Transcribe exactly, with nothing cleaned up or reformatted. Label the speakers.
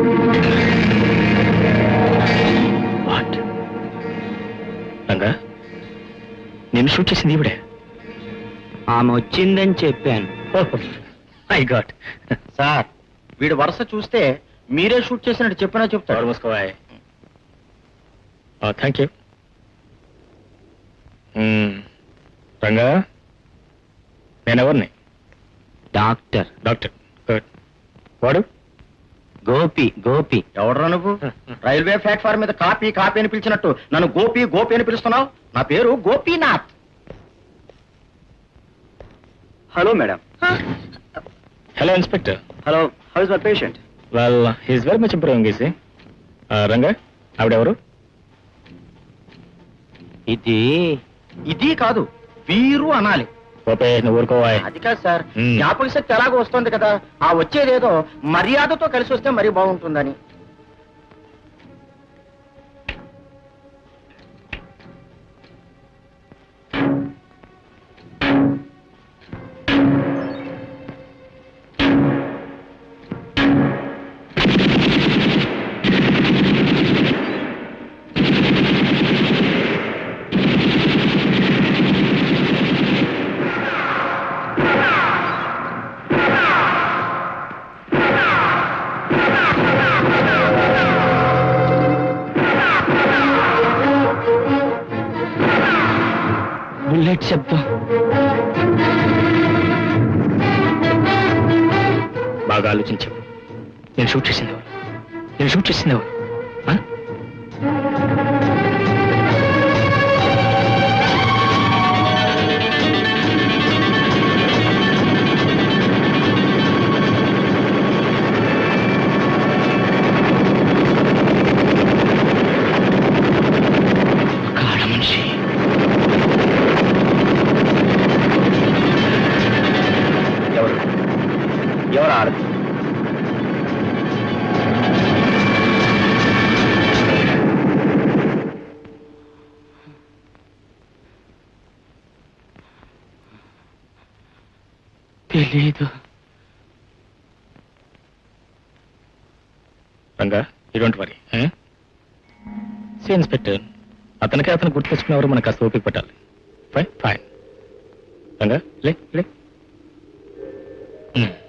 Speaker 1: What Ranga నేను shoot చేసింది ఈవిడే.
Speaker 2: ఆమె వచ్చిందని చెప్పాను.
Speaker 1: I got.
Speaker 3: సార్ వీడు వరుస చూస్తే మీరే షూట్ చేసినట్టు చెప్పినా చెప్తాడు.
Speaker 1: మూసుకోవాయ్. Thank you. రంగా నేనెవరిని?
Speaker 2: Doctor
Speaker 1: doctor. గుడ్. వాడు
Speaker 2: గోపి. గోపి
Speaker 3: ఎవడరా నువ్వు? రైల్వే ప్లాట్ఫామ్ మీద కాపీ కాపీ అని పిలిచినట్టు నన్ను గోపి గోపి అని పిలుస్తున్నావు. నా పేరు Gopinath.
Speaker 2: Hello madam.
Speaker 1: Hello inspector.
Speaker 2: Hello, how is my patient?
Speaker 1: Well he's very much improving easy. Ranga ఆవిడెవరు?
Speaker 2: ఇది
Speaker 3: ఇది కాదు, వీరు అనాలి.
Speaker 1: ఓపే నువ్వు ఊరుకోవాయ్.
Speaker 3: అది కాదు సార్,
Speaker 1: మ్మ్.
Speaker 3: జ్ఞాపక శక్తి ఎలాగో వస్తుంది కదా, ఆ వచ్చేదేదో మర్యాదతో కలిసి వస్తే మరీ బాగుంటుందని.
Speaker 2: బుల్లెట్ శబ్దం.
Speaker 1: బాగా ఆలోచించావు. నేను షూట్ చేసింది ఎవరు? నేను షూట్ చేసింది ఎవరు? ఆ?
Speaker 2: కాడ మనిషి.
Speaker 3: ఎవరు ఎవరు ఆడదు?
Speaker 2: తెలీదు.
Speaker 1: Ranga you don't worry. See inspector, అతనికి అతను గుర్తు తెచ్చుకునేవారు మనకు కాస్త ఓపిక పట్టాలి. Fine fine. రంగా లే లే. Hmm.